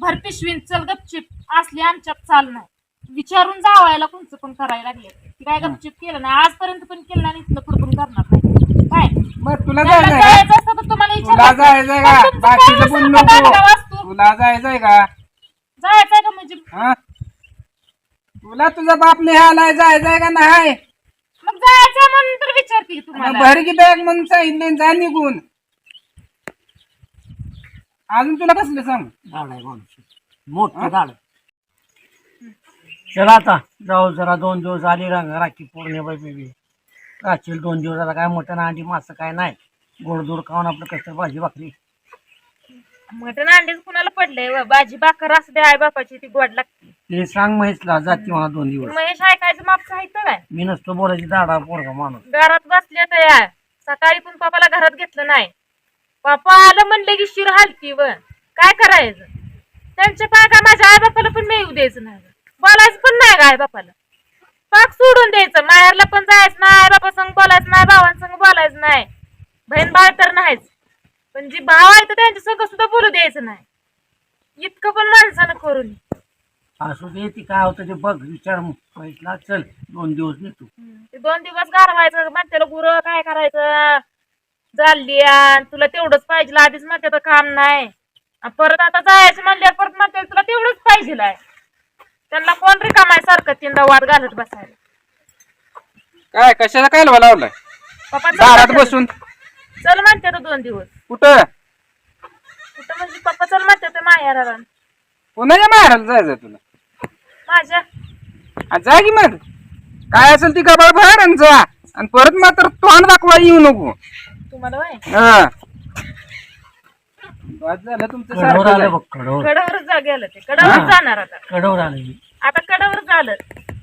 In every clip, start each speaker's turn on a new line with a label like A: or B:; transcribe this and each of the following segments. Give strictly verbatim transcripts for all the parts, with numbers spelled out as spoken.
A: भर पिशवीन चल गपचिप असली आमच्यात चाल नाही विचारून जावायला कोणचं पण करायला लागले ती काय गपचिप केलं नाही आजपर्यंत पण केलं नाही इथलं पुढे पण करणार नाही काय
B: मग तुला
A: त्यांना
B: जायचंय का
A: जायचं असतं तर तुम्हाला
B: तुला
A: विचारायचं.
B: जायचंय
A: पण
B: का
A: तुमचं
B: बाकीचं
A: काय
B: बोल
A: नसेल
B: नको
A: का दांडगा वाजतो?
B: तुला जायचंय का
A: जायचंय का म्हणजे
B: हा तुला तुझा बाप निघालाय जायचंय का नाही
A: मग जायचं म्हणून तर विचारते तुम्हाला
B: भर की बॅग म्हणून सांगितले जा निघून अजून तुला कसलं सांग
C: झाड आहे माणूस मोठं झाड चला आता जाऊ जरा दोन दिवस आली रंग राखी पौर्णिमा बेबी राखील दोन दिवस आता काय मटण अंडी मासं काय नाही गोडधोड खाऊन आपलं कसं भाजी भाकरी
A: मटण अंडीच कुणाला पडलंय व. भाजी भाकर असू दे आई बापाची ती गोड लागते
C: ते सांग महेशला जाती मला दोन दिवस
A: महेश ऐकायचं माप साहित्य काय
C: मी नसतो बोलायची दाडा पोरगा माणूस
A: घरात बसले तर या सकाळी पण पप्पाला घरात घेतलं नाही पप्पा आलं म्हणलं की शिर हालती व काय करायचं त्यांच्या पाय काय माझ्या आई बापाला पण मिळू द्यायचं नाही बोलायचं पण नाही का आई बापाला पाक सोडून द्यायचं माहेरला पण जायचं नाही आई बापा संग बोलायचं नाही भावांसंग बोलायचं नाही बहीण भाव तर नाहीच पण जी भाव आहे तर त्यांच्या संग सुद्धा बोलू द्यायचं नाही इतकं पण माणसानं करून
C: असू दे ती काय होतं ते बघ विचार महेशला चल दोन दिवस नेतो
A: ते दोन दिवस गारवायचं म्हणते गुरं काय करायचं चालली तुला तेवढंच पाहिजे आधीच म्हणते काम नाही परत आता जायचं म्हणल्यावर परत म्हणते तुला तेवढंच पाहिजे त्यांना कोण रिकामाय सारखं तीनदा वाद घालत बसायला
B: काय कशाला काय लावलाय
A: पप्पा
B: दारात
A: चल
B: बसून
A: चल म्हणते तर दोन दिवस
B: कुठं
A: कुठं म्हणजे पप्पा चल म्हणते ते माहेराला
B: कोणाच्या माहेराला जायचं तुला
A: माझ्या
B: आ, जा की मग काय असेल ती गबाळ बाहेर आणि जा आणि परत मात्र तोंड दाखवा येऊ नको
A: तुम्हाला वय
B: हा बस झालं तुमचं
C: कडवर
B: सारखं
C: आलं
B: झालं.
C: बघ कडवर
A: कडावर जा गेलं ते कडावर जाणार आता
C: कडवर आलं मी.
A: आता कडावर झालं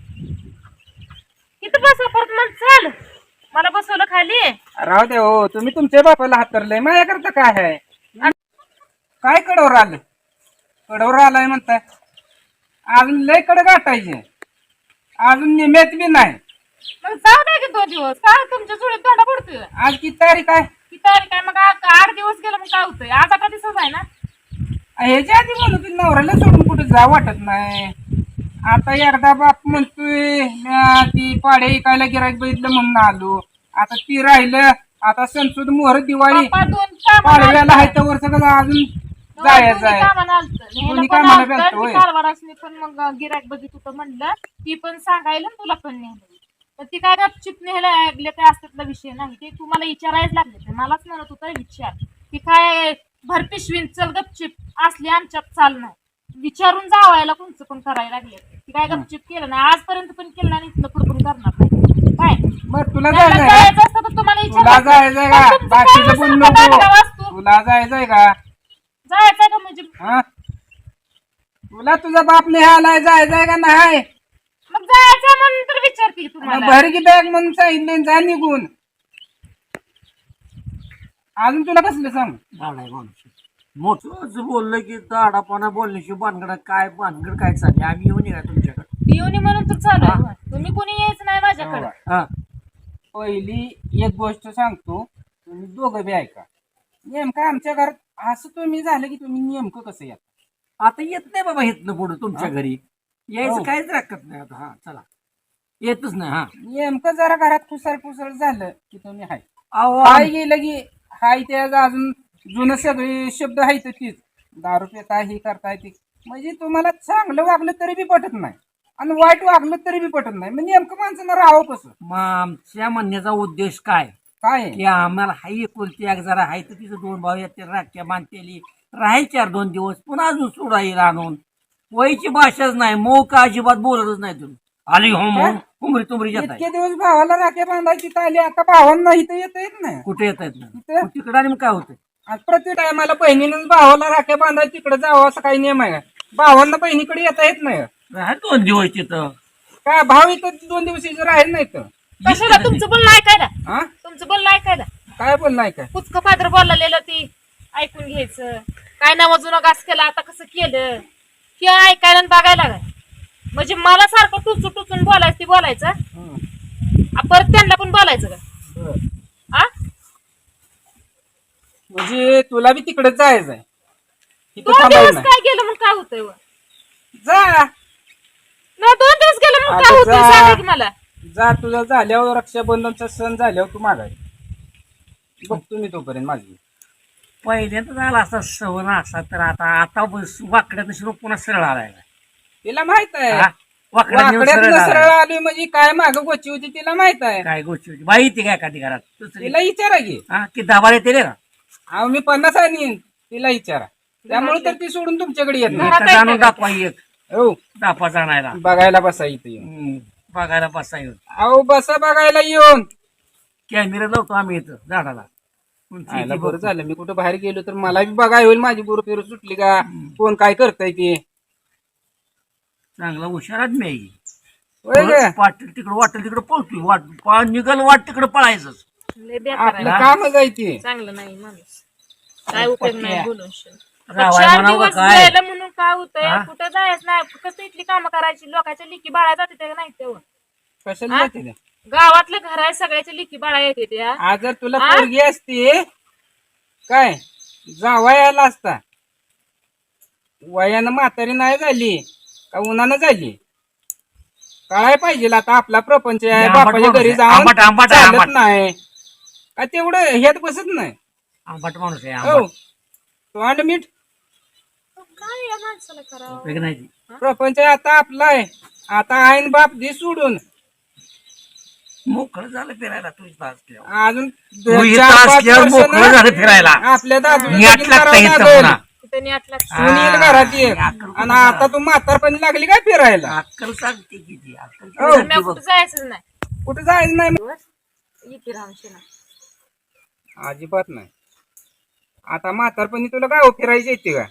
A: किती बसा परत मग चाल मला बसवलं खाली
B: राहू दे हो तुम्ही तुमच्या बापाला हातरलंय माझ्याकरता काय आहे काय कडवर आलं कडवर आलाय म्हणताय अजून लय कड गाठायचे अजून निम्यात बी नाही
A: मग जाऊ दे की दोन दिवस काय तुमच्या चुळीत तोंडा पडतोय
B: आज किती तारीख आहे
A: किती तारीख आहे मग आ- आठ दिवस गेलं मग काय होतंय आज आता दिसत आहे ना
B: ह्याच्या आधी म्हणू की नवऱ्याला सोडून कुठे जा वाटत नाही आता एकदा बाप म्हणतोय म्या ती पाडे इकायला गिरायक बघितलं म्हणून आलो आता ती राहिलं आता सणसूद मोहर दिवाळी
A: पप्पा दोन कामाला
B: पाडव्याला आहे
A: आलतं.
B: तर वर्ष कसं अजून
A: दोन-
B: जायचं
A: दोन्ही
B: आहे
A: कामाला आलतं. न्यायला
B: दोन्ही
A: पण
B: कामाला
A: आलतं,
B: गेलतं,
A: ती
B: होय.
A: कारभारासनी पण मग गिरायक बघित होतं म्हणलं ती पण सांगायला तुला पण नेलं तर ती काय गपचिप न्यायला लागले काय असतात विषय नाही ते तुम्हाला विचारायच लागले ते मलाच म्हणत होतं विचार की काय भर पिशवीन चल गपचिप असली आमच्यात चाल नाही विचारून जावायला कोणचं पण करायला लागले ती काय गपचिप केलं नाही आजपर्यंत पण केलं नाही इथलं पुढे पण करणार नाही काय
B: मग तुला
A: त्यांना
B: जायचंय का
A: जायचं असतं तर तुम्हाला
B: तुला
A: विचारायचं.
B: जायचंय का
A: पण तुमचं
B: बाकीचं
A: काय
B: बोल
A: नसेल का दांडगा
B: नको
A: वाजतो?
B: तुला जायचंय का
A: जायचं का म्हणजे
B: हा तुला तुझा बाप निघालाय जायचंय का नाही
A: मग जायचं म्हणून तर विचारते तुम्हाला
B: भर की बॅग म्हणून सांगितले जा निघून अजून तुला कसलं सांग
C: झाड आहे माणूस मोठं बोललं की दाडापणा बोलण्याशी भानगड काय भानगड काय चालली आम्ही येऊन या तुमच्याकडे
A: येऊन म्हणून तर चालू आहे. तुम्ही कोणी यायचं नाही माझ्याकडे
C: हा
B: पहिली एक गोष्ट सांगतो तुम्ही दोघं बी ऐका नेमकं आमच्या घरात असं तुम्ही झालं की तुम्ही नेमकं कसं या
C: आता येत नाही बाबा इथनं पुढं तुमच्या घरी यायचं
B: हो.
C: काहीच राखत नाही आता हा चला येतच नाही हा
B: नेमकं जरा घरात फुसळ फुसळ झालं की तुम्ही हाय
C: अहो
B: हाय गेलं की हाय ते अजून जुनं सगळे शब्द आहेत तीच दारू पिता हे करताय ते म्हणजे तुम्हाला चांगलं वागलं तरी बी पटत नाही आणि वाईट वागलं तरी बी पटत नाही म्हणजे नेमकं माणसानं राहावं कसं
C: मग आमच्या म्हणण्याचा उद्देश काय
B: काय आहे?
C: की आम्हाला हाई एकुलती एक जरा हाय तर तिचं दोन भाऊ येते राख्या बांधतेली राहायची चार दोन दिवस पुन्हा अजून सोडा येईल आणून वयची भाषाच नाही मऊ का अजिबात बोलतच नाही तुम्ही आली हो मग कुमरी तुमरी येत
B: इतके दिवस भावाला राख्या बांधायची ताली आता भावांना इथं येता येत नाही
C: कुठे येत आहेत
B: इथं?
C: तिकडे आणि मग काय होतं
B: आज प्रति टायमाला बहिणीनं भावाला राख्या बांधायची तिकडे जावं असं काही नियम आहे का? भावांना बहिणीकडे येता येत नाही
C: राहा दोन दिवस तिथं
B: काय भाव इथं दोन दिवस इथं राहील नाही तर
A: कशाला तुमचं बोलणं ऐकायला
B: हा
A: तुमचं बोलणं ऐकायला
B: काय बोल नाही काय
A: पुचकं पात्र बोललेलं ती ऐकून घ्यायचं काय नाव जुनं घास केला आता कसं केलं हे ऐकायला आणि बघायला काय म्हणजे मला सारखं टुचून टुचून बोलायचं ती बोलायचं
B: हं.
A: आ, परत त्यांना पण बोलायचं का
B: बरं.
A: आ
B: म्हणजे तुला बी तिकडे जायचं आहे इथं
A: दोन
B: थांबायचं
A: दिवस
B: नाही.
A: काय गेलं म्हणून काय होतंय व?
B: जा
A: नाही दोन दिवस गेलं म्हणून काय
B: आता
A: होतंय
B: जा.
A: सांगा की मला.
B: जा तुझं झाल्यावर रक्षाबंधनचा सण झाल्यावर तू मागाय बघतो मी तोपर्यंत माझी.
C: पहिल्यांदा झाला असा सवन असा तर आता आता बस वाकड्यात शिरो पुन्हा सरळ आलाय
B: तिला माहित आहे
C: हा? वाकड्यात नेऊन
B: वाकड्यात
C: सरळ
B: सरळ
C: आलाय.
B: आली म्हणजे काय माग गोची होती तिला माहित आहे.
C: काय गोष्टी होती बाई ती काय एखादी घरात दुसरी
B: तिला विचारा की
C: हा की दाबाला येते रे का
B: अहो मी पन्नास आणि तिला विचारा. त्यामुळे तर ती सोडून तुमच्याकडे येत नाही.
A: घरात
C: एका जाणून
A: आहे का?
C: दाखवा एक
B: हो
C: दापा जाणायला
B: बघायला बसा इथे येऊन.
C: हम्म, बघायला बसा येऊन
B: अहो बसा बघायला येऊन.
C: कॅमेरा लावतो आम्ही इथं झाडाला उंची
B: आयला
C: इथे
B: बरं
C: बघतो.
B: झालं मी कुठं बाहेर गेलो तर मला बी बघाय होईल माझी गुरु फिरू सुटली का कोण काय करताय ते.
C: चांगला हुशार आदमी आहे ही.
B: होय ग?
C: वाटेल तिकडं वाटेल तिकडं पळतोय वाट पा- निघल वाट तिकडं पळायचं
A: लय बेकार
B: आपलं
A: आहे.
B: काम जायची.
A: चांगलं नाही माणूस काय उपयोग नाही बोलून शिन.
C: रावाय
A: चार
C: म्हणावं
A: दिवस
C: का काय
A: गेलं म्हणून काय होतंय
C: हा?
A: कुठं जायचं नाही फक्त इथली कामं करायची लोकांच्या लिकी बाळा जाते ते नाही तेव्हा
B: कशाला
A: हा?
B: जायचं ते?
A: गावातलं घर आहे सगळ्याच्या लिकी बाळा येते त्या
B: आज जर तुला
A: आ?
B: पोरगी असती काय जावयाला असता वयानं म्हातारी नाही झाली का उन्हानं झाली कळाय पाहिजे आता आपला प्रपंच आहे
C: आंबट
B: बापाच्या
C: माणूस
B: घरी
C: आहे.
B: जाऊन
C: आंबट- आंबट आहे,
B: चालत
C: आंबट.
B: नाही का तेवढं ह्यात बसत नाही.
C: आंबट माणूस आहे
B: हो
C: आंबट.
B: तोंड मीठ
A: काय या माणसाला करावं
C: उपयोग नाही ती.
B: प्रपंच आता आपला आहे. आता आईन बाप दे सोडून
C: मोकळं झालं फिरायला तुझी असल्यावर
B: अजून
C: तू इथं
B: चार पाच
C: असल्यावर
B: वर्ष
C: मोकळं
B: ना
C: झालं फिरायला
B: आपल्या दादूला
C: नीट
B: लगीन
C: लागतं
B: करावं
C: इथं
B: लागेल.
C: पुन्हा.
A: तिथं नीट लक्ष
B: सून येईल घरात ये. आणि आता तू म्हातारपणी लागली काय फिरायला
C: अक्कल सांगते किती अक्कल
B: हो.
C: सांगते
A: मी
C: बघ.
A: कुठं जायचं नाही
B: कुठे जायचं नाही
A: दिवस इथे राहून
B: अजिबात नाही. आता म्हातारपणी तुला गाव फिरायची येते का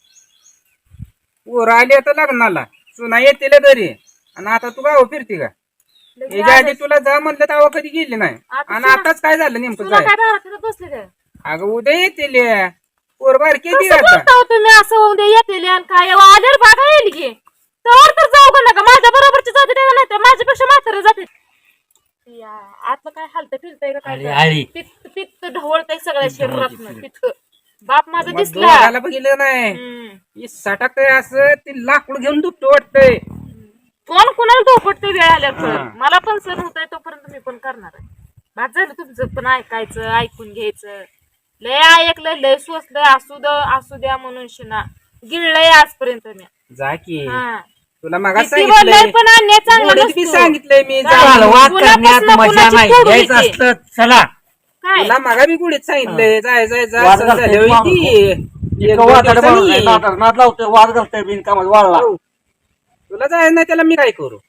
B: पोरं आली आता लग्नाला सुना येतील घरी आणि आता तू गाव फिरते का याच्या आधी तुला जा म्हणलं तेव्हा कधी गेली नाही
A: आता
B: आणि
A: सुना-
B: आताच काय झालं नेमकं
A: तुला
B: काय
A: काय दारात फिरत बसले काय
B: अगं उद्या येतील पोर बारकी येते
A: कसं
B: आता
A: बोलता हो तुम्ही असं होऊन दे येतील आणि काय आल्यावर बागा येईल की तर तर जाऊ का नका माझ्या बरोबरची जाते तेव्हा नाही तर माझ्यापेक्षा म्हातारे जाते या, आतलं काय हालतं फिरतंय का
C: आली,
A: काय
C: आली.
A: पित्त पित्त ढवळतंय सगळ्या शरीरात पित्त बाप माझा
B: मग
A: दिसला
B: दोघाला बघितलं नाही
A: हम्म.
B: ही सटाकतंय असं ती लाकूड घेऊन दुपटं वाटतंय
A: कोण कोणाला धोपटते वेळ आल्यावर
B: हा.
A: मला पण सण होत आहे तोपर्यंत मी पण करणार आहे भात झालं तुमचं पण ऐकायचं ऐकून घ्यायचं लय ऐकलं लय सोचलंय असू द असू द्या म्हणून शिना गिळलंय आजपर्यंत मी
B: जा की
A: हा.
B: तुला मगा
A: किती बोललंय
B: सांगितलंय
A: पण अन्याय चांगला
B: गोडीत बी
A: नसतो.
B: सांगितलंय मी
A: काय?
B: जा.
C: चला, वाद
A: कुणापासून
C: करण्यात मजा
A: कुणाची
C: नाही
A: फोडून
C: यायचं
A: येते.
C: असतं चला
A: काय
B: तुला मागा मी गुढीत सांगितलंय जाय जाय जा
C: वाद
B: सण
C: घालतोय
B: झाल्यावर
C: माणूस.
B: ये. एक
C: इतकं
B: दोन
C: वादाला
B: दिवसांनी
C: माणूस आहे,
B: ये.
C: नादाला नाद लावतोय वाद घालतोय बिनकामात वाळला
B: हो. तुला जायचं नाही त्याला मी काय करू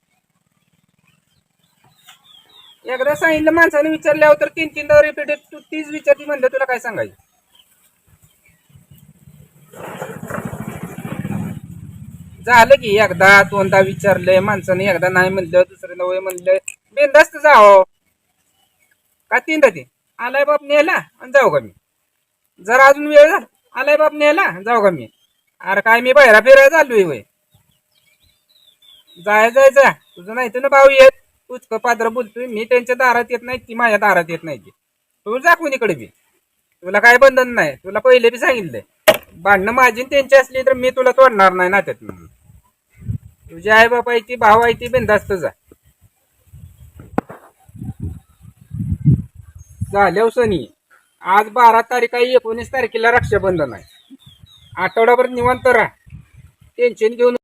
B: एकदा सांगितलं माणसाने विचारल्यावर तर तीन तीनदा रिपीट तू तीच विचारती म्हणलं तुला काय सांगायचं झालं की एकदा दोनदा विचारलंय माणसाने एकदा नाही म्हणलं दुसऱ्यांदा वय म्हणलं बिनधास्त जाओ का तीनदा ते आलाय बाप नेला आणि जाऊ का मी जर अजून वेळ झाला आलाय बाप नेला जाऊ का मी अरे काय मी बाहेर फिरायला चाललोय वय जाय जाय जा तुझं नाही तर ना भाऊ येत तूच पात्र बोलतोय मी त्यांच्या दारात येत नाही ती माझ्या दारात येत नाही तू जा कोणीकडे बी तुला काय बंधन नाही तुला पहिले बी सांगितलंय भांडणं माझी आणि त्यांची असली तर मी तुला तोडणार नाही ना त्यात तुझी आई बाप आहे ती भाऊ आहे ती बिनधास्त जा झाल्या सनी आज बारा तारीख आहे एकोणीस तारखेला रक्षाबंधन आहे आठवडाभर निवांत राहा टेन्शन घेऊन